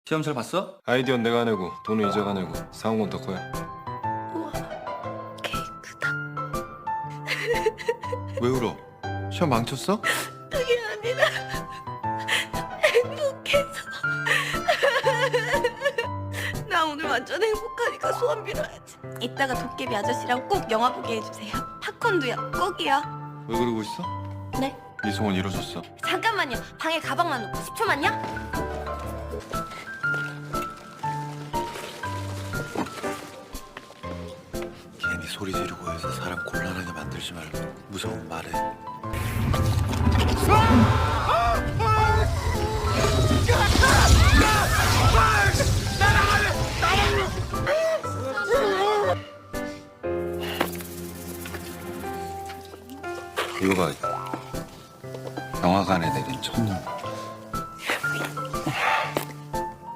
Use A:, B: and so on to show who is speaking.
A: 시험 잘 봤어?
B: 아이디어는 내가 내고 돈은 이자가 내고 사온 건 더 커요.
C: 우와, 케이크다.
B: 왜 울어? 시험 망쳤어?
C: 그게 아니라 행복해서. 나 오늘 완전 행복하니까 소원 빌어야지. 이따가 도깨비 아저씨랑 꼭 영화 보게 해주세요. 팝콘도요, 꼭이요.
B: 왜 그러고 있어?
C: 네?
B: 네 소원 이뤄졌어.
C: 잠깐만요. 방에 가방만 놓고 10초만요.
D: 괜히 소리 지르고 해서 사람 곤란하게 만들지 말고 무서운 말해.
A: 이거 봐. 영화관에 내린 첫눈.